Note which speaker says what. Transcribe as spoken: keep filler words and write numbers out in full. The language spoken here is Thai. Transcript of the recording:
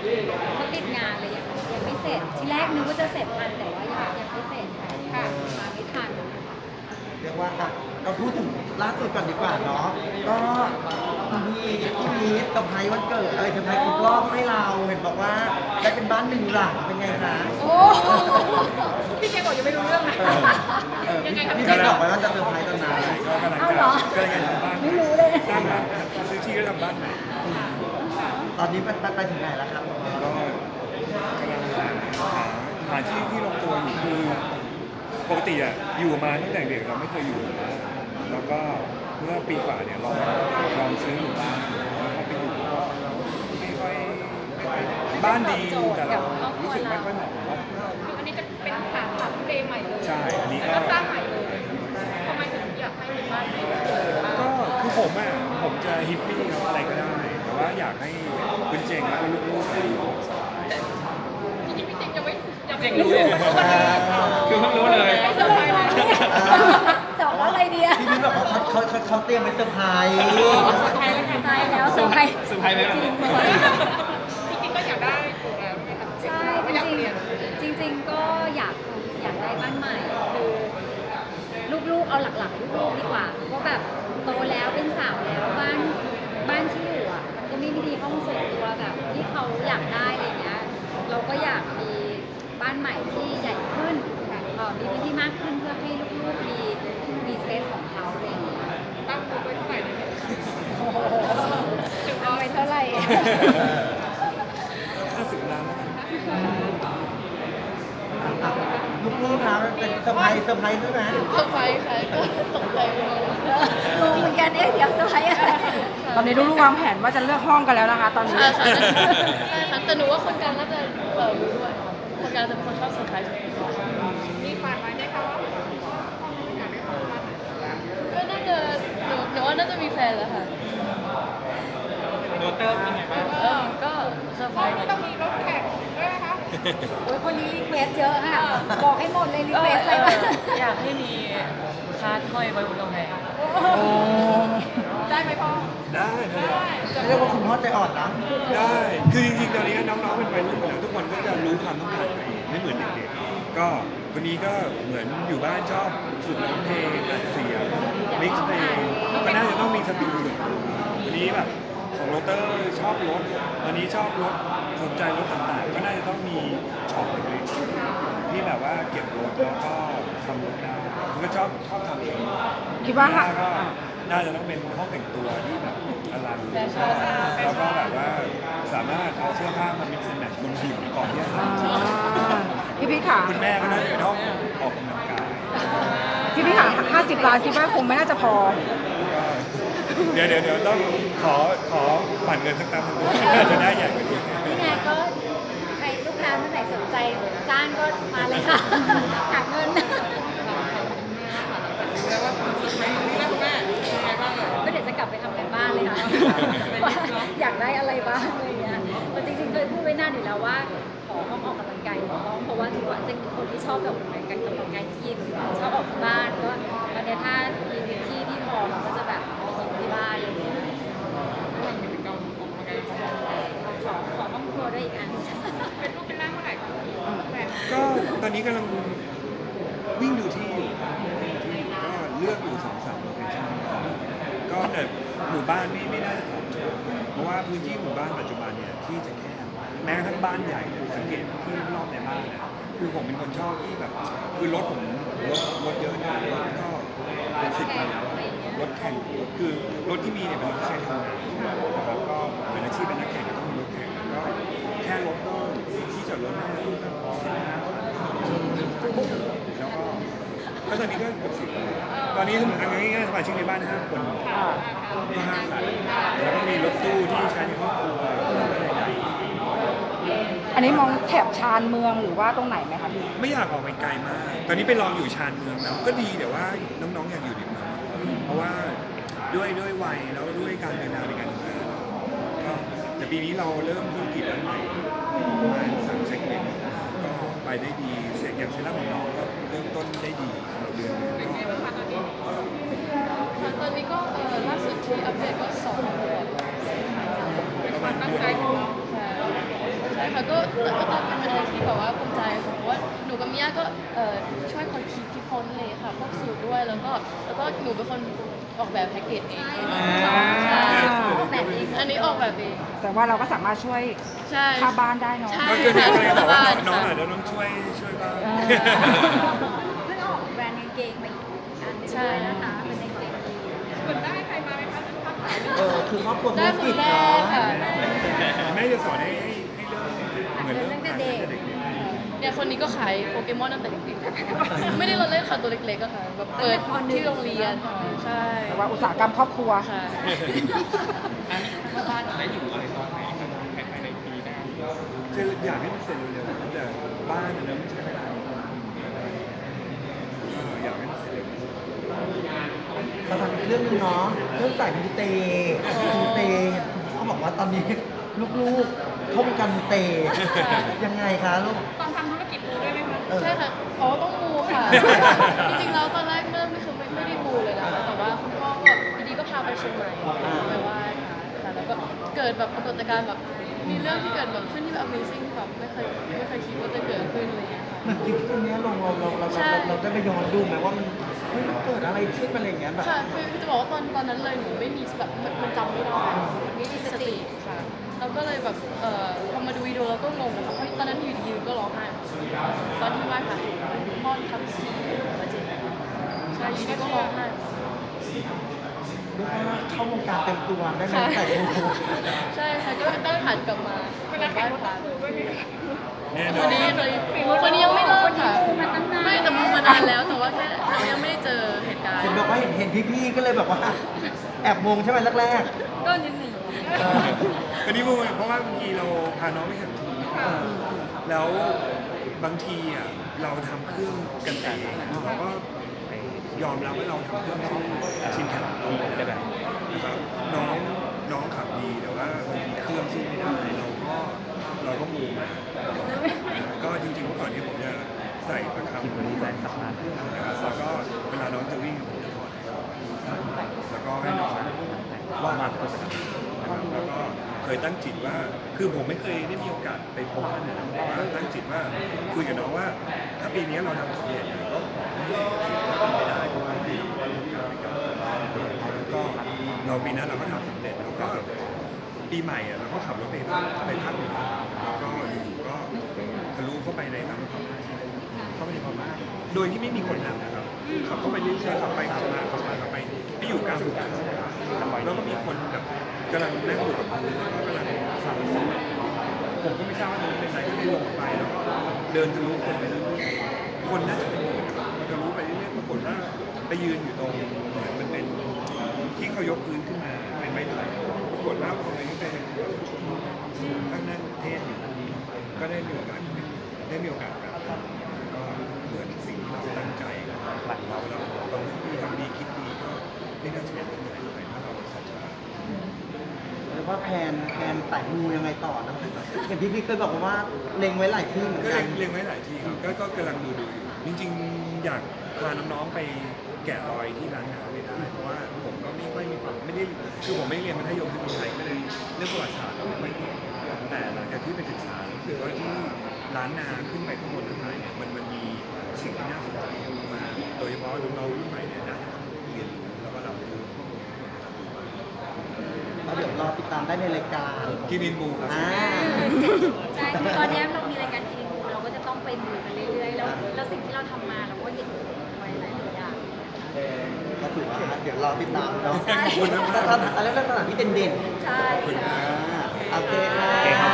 Speaker 1: เขาติดงานเลยยังยังไม่เสร็จทีแรกนึกว่าจะเสร็จทันแต่ว่ายังยังไม่เสร็จค่ะมาไม่ทัน
Speaker 2: เรียกว่าอ่ะเราพูดถึงล่าสุดก่อนดีกว่าเนาะก็มีที่มีเซอร์ไพรส์วันเกิดเอ้ยเซอร์ไพรส์ครบรอบให้เราเห็นบอกว่าได้เป็นบ้านหนึ่งหลังเป็นไงคะ
Speaker 1: โอ้
Speaker 3: พี่เจบอกยังไม่รู้เรื่องนะ
Speaker 2: เออเออพี่พี่ได้บอกไว้ว่าจะเซอร์ไพรส์ตอนนั้น
Speaker 4: ก็กำลัง
Speaker 1: เอา
Speaker 4: จะ
Speaker 1: เหรอก
Speaker 4: ำลังจะทำบ้าน
Speaker 1: ไม่รู้เลย
Speaker 4: สร้างบ้านซื้อที่ก็ทำบ้านใหม่
Speaker 2: ตอนนี้ไปไปถึงไหนแล้วครับ
Speaker 4: ก็กำลังหาหาหาที่ที่ลงตัวอยู่คือปกติอ่ะอยู่มาตั้งแต่เด็กเราไม่เคยอยู่นะแล้วก็เมื่อปีกว่าเนี่ยลองลองซื้ออยู่บ้านแล้วพอไปอยู่ก็ไม่ค่อยไม่ค่อยบ้านดีแต่เรารู้สึกไม่ค่อยเหมาะกับเรา
Speaker 3: คืออันนี้จะเป็นฐานฐานเดย์ใหม่เลย
Speaker 4: ใช่อันนี้ก็
Speaker 3: แล้วก็สร้างใหม่เลยทำไมถึงอยากให้เป็นบ้านนี้
Speaker 4: ก็คือผมอ่ะผมจะฮิปปี้ครับอะไรก็ได้ แต่ว่าอยากให้คุณเจงแล้วก็ลูกๆอยู่สบาย
Speaker 3: จริงๆพี่เจงยังไม่ยังไม่
Speaker 5: เจงรู้เลยคือเพิ่งรู้เลย
Speaker 3: ไม่สบายเลย
Speaker 1: ตอบว่าอะไรดีอะ
Speaker 2: พี่มิ้นบอกว่าเขาเขาเขาเขาเตรียมไปเซอร์ไพรส์
Speaker 1: ตายแล้วค่ะตายแล้วเซอร์ไพรส์
Speaker 5: เซอร์ไพรส์ไหม
Speaker 1: จริงเลย
Speaker 3: จริงๆก็อยากได้อยู่แล้วไหมคะ
Speaker 1: ใช่
Speaker 3: ไม่อยากเปลี่ยน
Speaker 1: จริงๆจริง ๆ ก็อยากอยากได้บ้านใหม่คือลูกๆเอาหลักๆลูกๆดีกว่าว่าแบบโตแล้วเป็นสาวแล้วบ้านบ้านที่อยู่อ่ะมันก็ไม่ได้มีห้องส่วนตัวแบบที่เขาอยากได้อะไรเงี้ยเราก็อยากมีบ้านใหม่ที่ใหญ่ขึ้นเอ่อมีพื้นที่มากขึ้นเพื่อให้ลูกๆมีมีสเปซของเขาอะไรอย่างเงี้ย
Speaker 3: ตั้งตัวไว้เท่าไหร่เนี่ย
Speaker 1: โอ้โหเอาไปเท่าไหร่
Speaker 4: ห้าสิบล้านแล้วกัน
Speaker 2: ลูกๆนะมันเป็นเซอร์ไพรส์เซอร์ไพรส์ด้วยนะ
Speaker 3: เซอร์ไพรส์ค่ะก็ตกใจไปเลย
Speaker 1: งงเหมือนกันเอ๊ะเดี๋ยวเซอร์ไพรส์อะไร
Speaker 6: ตอนนี้ลูกๆวางแผนว่าจะเลือกห้องกันแล้วนะคะ ตอนนี้
Speaker 3: ใช่ค่ะใช่ค่ะแต่หนูว่าคนกลางน่าจะเออรู้ด้วยคนกลางจะเป็นคนชอบเซอร์ไพรส์มีฝันไว้ไหมคะว่าอยากได้ของขวัญก็น่าจะหนูหนูว่าน่าจะมีแฟนแล้วค่ะ
Speaker 5: โดเตอร์เป็นไงบ้าง
Speaker 3: เออก็เซอร์ไพรส์ต้องมีรถแข่งด้วยนะคะ
Speaker 1: โอ้ยคนนี้รีเควสเยอะค่ะ บอกให้หมดเลยรีเควสอะไรบ้าง
Speaker 7: อยากให้มีคาร์ดห้อยไว้บนกำแพง
Speaker 3: ได้ไหมพ่อ
Speaker 4: ได้ได้
Speaker 2: เรียกว่าคุณพ่อใจอ่อนนะ
Speaker 4: ได้ คือจริงๆ ตอนนี้น้องๆ เป็นวัยรุ่นแล้วทุกคนก็จะรู้ความต้องการตัวเองไม่เหมือนเด็กๆ ก็คนนี้ก็เหมือนอยู่บ้านชอบฝึกร้องเพลงอัดเสียงมิกซ์เพลงก็น่าจะต้องมีสตูดิโอวันนี้แบบของโรเตอร์ชอบรถวันนี้ชอบรถสนใจรถต่างๆ ก็น่าจะต้องมีช็อปเล็กๆที่แบบว่าเก็บรถแล้วก็ทำรถได้ผมก็ชอบชอบทำเอง
Speaker 6: คิดว่า
Speaker 4: ถ้า
Speaker 6: ค่ะ
Speaker 4: ก็น่าจะต้องเป็นห้องแต่งตัวที่แบบอลังแล้วก็แบบว่าสามารถเอาเสื้อผ้ามา mix and match บนผิวก่อนที่จะใส่
Speaker 6: อ่าพี่พี่ค่ะ
Speaker 4: คุณแม่ก็น่าจะเป็นห้องออกกำลังกาย
Speaker 6: พี่พี่ค่ะห้าสิบล้านคิดว่าคงไม่น่าจะพอ
Speaker 4: ก็เดี๋ยวเดี๋ยวเดี๋ยวต้องขอขอปั่นเงินสักตั้งหนึงน่าจะได้ใหญ่กว่านี้
Speaker 1: นี่ไงก็ใครลูกค้าท่านไหนสนใจจ้างก็มาเลยค่ะหาเงิน
Speaker 3: แล้วว่าสุดไหมนี่นะคุณแม่ยังไงบ้าง
Speaker 1: ก็เดี๋ยวจะกลับไปทำกันบ้านเลยค่ะว่าอยากได้อะไรบ้างอะไรเงี้ยแต่จริงๆเคยพูดไว้นานอยู่แล้วว่าขอห้องออกกำลังกายหนึ่งห้องเพราะว่าถือว่าจะเป็นคนที่ชอบแบบการกำลังกายที่ยิมชอบออกที่บ้านก็ตอนเนี้ยถ้ามีพื้นที่ที่พอเราก็จะแบบไปยิมที่บ้านอะไรเงี้ยขอขอห้องครัวด้วยอีกอัน
Speaker 3: เป็นรูปเป็นร่างเมื่อไหร่คะแฟน
Speaker 4: ก็ตอนนี้กำลังวิ่งดูที่อยู่ก็เลือกอยู่สองสามโลเคชั่นก็แต่หมู่บ้านไม่ไม่น่าจะตอบโจทย์เพราะว่าพื้นที่หมู่บ้านปัจจุบันเนี่ยที่จะแคบแม้กระทั่งบ้านใหญ่เนี่ยสังเกตที่รอบในบ้านเนี่ยคือผมเป็นคนชอบที่แบบคือรถผมรถรถเยอะเนี่ยรถก็เป็นสิบคันแล้วรถแข่งคือรถที่มีเนี่ยเป็นรถที่ใช้ทำงานนะครับก็เป็นอาชีพเป็นนักแข่งก็ต้องมีรถแข่งก็แค่รถก็ที่จอดรถน่าจะต้องสักสิบห้าคันแล้วก็ก็ตอนนี้ก็เกือบสิบตอนนี้สมมติง่ายๆสมาชิกในบ้านห้าคนก็ห้าคันแล้วก็มีรถตู้ที่ใช้ในครอบครัวใหญ่
Speaker 6: อันนี้มองแถบชานเมืองหรือว่าตรงไหนไหมคะพี่
Speaker 4: ๆไม่อยากออกไปไกลมาก ตอนนี้ไปลองอยู่ชานเมืองแล้วก็ดีแต่ว่าน้องๆอยากอยู่ในเมืองเพราะว่าด้วยด้วยวัยแล้วด้วยการเดินทางในการทำงานก็แต่ปีนี้เราเริ่มธุรกิจอันใหม่ประมาณสามเซกเมนต์ก็ไปได้ดีเสร็จอย่างเซรั่มของน้องก็เริ่มต้นได้ดีสำหรับเดือนหนึง
Speaker 3: เป็น
Speaker 4: ก็
Speaker 3: ไงบ้างคะตอนนี้ตอนนี้ก็เออล่าสุดที่อัปเดตก็สองเดือนเป็นความตั้งใจของเราใช่ค่ะก็ก็ต้องเป็นอะไรที่แบบว่าภูมิใจค่ะเพราะว่าหนูกับมิยาก็เอ่อช่วยคนคิดคิดค้นเลยค่ะพวกสูตรด้วยแล้วก็แล้วก็หนูเป็นคนออกแบบแพ็กเกจเองใช่
Speaker 1: ออกแบบเอง
Speaker 3: อันนี้ออกแบบเอง
Speaker 6: แต่ว่าเราก็สามารถช่วย
Speaker 3: ใช่
Speaker 6: ค่าบ้านได้เนาะ
Speaker 3: ใช่
Speaker 4: ก็คือเนี่ยก็เลยบอกว่า
Speaker 3: ค่ะ
Speaker 4: น้องอาจจะต้องช่วยช่วยบ้าง
Speaker 1: เพิ่งออกแบรนด์กางเกงมาอีกอันหนึงด้วยนะคะเป็นกางเกงยีน
Speaker 2: เออคือครอบครัวธุ
Speaker 3: ได้
Speaker 2: ร
Speaker 3: ค
Speaker 2: กิ
Speaker 3: น
Speaker 2: จ
Speaker 3: แร
Speaker 2: เนาะ
Speaker 3: กค่ะ
Speaker 4: แม่จะสอนให้ให้ให้เริ่มเหมือนเริ่ม
Speaker 1: ตั้งแต่เด็ก
Speaker 3: เนี่ยคนนี้ก็ขายโปเกมอนตั้งแต่เด็กๆไม่ได้เราเล่นค่ะตัวเล็กๆก็ค่ะแบบเปิดที่โรงเรียนค่ะใช่
Speaker 6: แต่ว่าอุตสาหกรรมครอบครัว
Speaker 3: ค่ะ
Speaker 5: ถ้าบ้านจะได้อยู่อะไรตอนไหนครับภายในปีหน้า
Speaker 4: คืออยากให้มันเสร็จเร็วๆแต่บ้านเนี่ยมันใช้เวลาเอออยากให้มันเสร็จเร็ว
Speaker 2: เราทำอีกเรื่องหนึงเนาะเรื่องสายมูเตมูเตเขาบอกว่าตอนนี้ลูกๆเข้าวงการมูเตยังไงคะลูก
Speaker 3: ตอนทำธุรกิจมูด้วยไหมคะ
Speaker 2: เออ
Speaker 3: ใช่ค่ะอ๋อต้องมูค่ะ จริงๆแล้วตอนแรกเริ่มไม่คือไม่ไม่ได้มูเลยนะคะแต่ว่าคุณพ่อก็อยู่ดีก็พาไปเชียงใหม่ไปไหว้ค่ะค่ะแล้วก็เกิดแบบปรากฏการณ์แบบมีเรื่องที่เกิดแบบขึ้นที่แบบ Amazing ที่แบบไม่เคยไม่เคยคิดว่าจะเกิดขึ้นอะไรอย่างเงี้ยค่ะ
Speaker 2: เหมือนคลิปตรงนี้ยลงเราเราเรา
Speaker 3: ใช่
Speaker 2: เราเราได้ไปย้อนดูไหมว่ามันเฮ้ยมันเกิดอะไรขึ้นอะไรอย่างเงี้ยแบบ
Speaker 3: ค่ะคือคือจะบอกว่าตอนตอนนั้นเลยหนูไม่มีแบบมันมันจำไม่ได้มันไม่มีสติค่ะเราก็เลยแบบเอ่อพอมาดูวิดีโอเราก็งงนะคะเพราะตอนนั้นอยู่ดีๆก็ร้องไห้ตอนที่ไหว้พระป้อนคำชีมาเจ็บใช่อยู่ดีก็ร้องไห้
Speaker 2: เรียกว่าเข้าวงการเต็มตัวได้ไหมใส่มู
Speaker 3: ใช่ค่ะก็ต้องหันกลับมาเป็นนักแข่งขัน
Speaker 4: ๆแน่น
Speaker 3: ค
Speaker 4: อน
Speaker 3: นนี้เคยคนนี้ยังไม่เลิกค่ะ
Speaker 1: คนนี้มูมาตั้งนาน
Speaker 3: ไม่แต่มูมานานแล้วแต่ว่าแค่เรายังไม่ได้เจอเหตุการณ์
Speaker 2: เห็นบอกว่าเห็นเห็นพี่ๆก็เลยแบบว่าแอบงงใช่ไหมแรก
Speaker 1: ก็นิดหนึ่ง
Speaker 2: ๆเออ
Speaker 4: อันนี้มูเพราะว่าบางทีเราพาน้องไปแข่งทุนแล้วบางทีอ่ะเราทำเครื่องกันเองเราก็ยอมรับว่าเราทำเครื่องสู้ชินแข่งเราไม่ได้นะครับน้องน้องขับดีแต่ว่าบางทีเครื่องสู้ไม่ได้เราก็เราก็มูมาก็จริงๆเมื่อก่อนนี้ผมจะใส่ประคำตัวนี้ใส่สักพักนะครับแล้วก็เวลาน้องจะวิ่งผมจะถอดแล้วก็ให้น้องว่ามานะครับแล้วก็เคยตั้งจิตว่าคือผมไม่เคยได้มีโอกาสไปพบท่านนะแต่ว่าตั้งจิตว่าคุยกับน้องว่าถ้าปีนี้เราทำสำเร็จก็ขอให้สิ่งที่เป็นไปได้ก็ให้ก็เราปีนั้นเราก็ทำสำเร็จแล้วก็ปีใหม่อะเราก็ขับรถไปไปภาคเหนือแล้วก็อยู่ๆก็ทะลุเข้าไปในทางพม่าเข้าไปในพม่าโดยที่ไม่มีคนนำนะครับขับเข้าไปเรื่อยๆขับไปขับมาขับมาขับไปไปอยู่กลางหุบเขาแล้วก็มีคนแบบกำลังนั่งอยู่กับพื้นแล้วก็กำลังฟังเสียงผมก็ไม่ทราบว่าตรงนี้เป็นอะไรก็เลยลงไปแล้วก็เดินทะลุคนไปเรื่อยๆคนน่าจะเป็นหมื่นนะครับทะลุไปเรื่อยๆปรากฏว่าไปยืนอยู่ตรงเหมือนมันเป็นที่เขายกพื้นขึ้นมาเป็นไม้ไผ่ปรากฏว่าพอไปไปตั้งนั่งเทศอยู่ก็ได้มีโอกาสได้มีโอกาสแบบก็เหมือนสิ่งที่เราตั้งใจหลังเราเราเราทำดีคิดดีก็ไม่น่าจะเป็นอะไรเลยถ้าเราศรัทธา
Speaker 2: เรียกว่าแพนแพนสายมูยังไงต่อนะเห็นพี่ๆเคยบอกว่าเล็งไว้หลายที่เหมือน
Speaker 4: ก็
Speaker 2: กั
Speaker 4: เล็
Speaker 2: น
Speaker 4: งเล็งไว้หลายที่ครับก็ก็กำลังดูดูอยู่ จริงๆ อยากพาน้องๆไปแกะรอยที่ร้านอาหารไม่ได้ เพราะว่าผมก็ไม่ค่อยมีความไม่ได้คือผมไม่ได้เรียนมัธยมที่เมืองไทยก็เลยเรื่องประวัติศาสตร์เราไม่ค่อยเก่งแต่หลังจากที่ไปศึกษารู้สึกว่าที่ร้านนาขึ้นไปข้างบนข้างในเนี่ยมันมันมีสิ่งที่น่าสนใจมากโดยเฉพาะน้องๆรุ่นใหม่เนี่ยน่าจะเรียนรู้แล้วก็รับรู้ข้อมูล
Speaker 2: แล้วเดี๋ยวรอติดตามได้ในรายการ
Speaker 4: กินอินบูครับ
Speaker 2: อ่า
Speaker 1: ใช่คือตอนนี้เรามีรายการทีมูเราก็จะต้องไปมูกันเรื่อยๆแล้วแล้วสิ่งที่เราทำมาเราก็เห็นไว้หลายๆอย่าง
Speaker 2: ก็ถือว่าเดี๋ยวรอติดตามเนาะ
Speaker 1: ใช่
Speaker 2: สถานอะไรเรื่องสถานที่เด่น
Speaker 1: ใช่
Speaker 2: ๆ
Speaker 1: ใช่
Speaker 2: อ่าโอเคค่ะ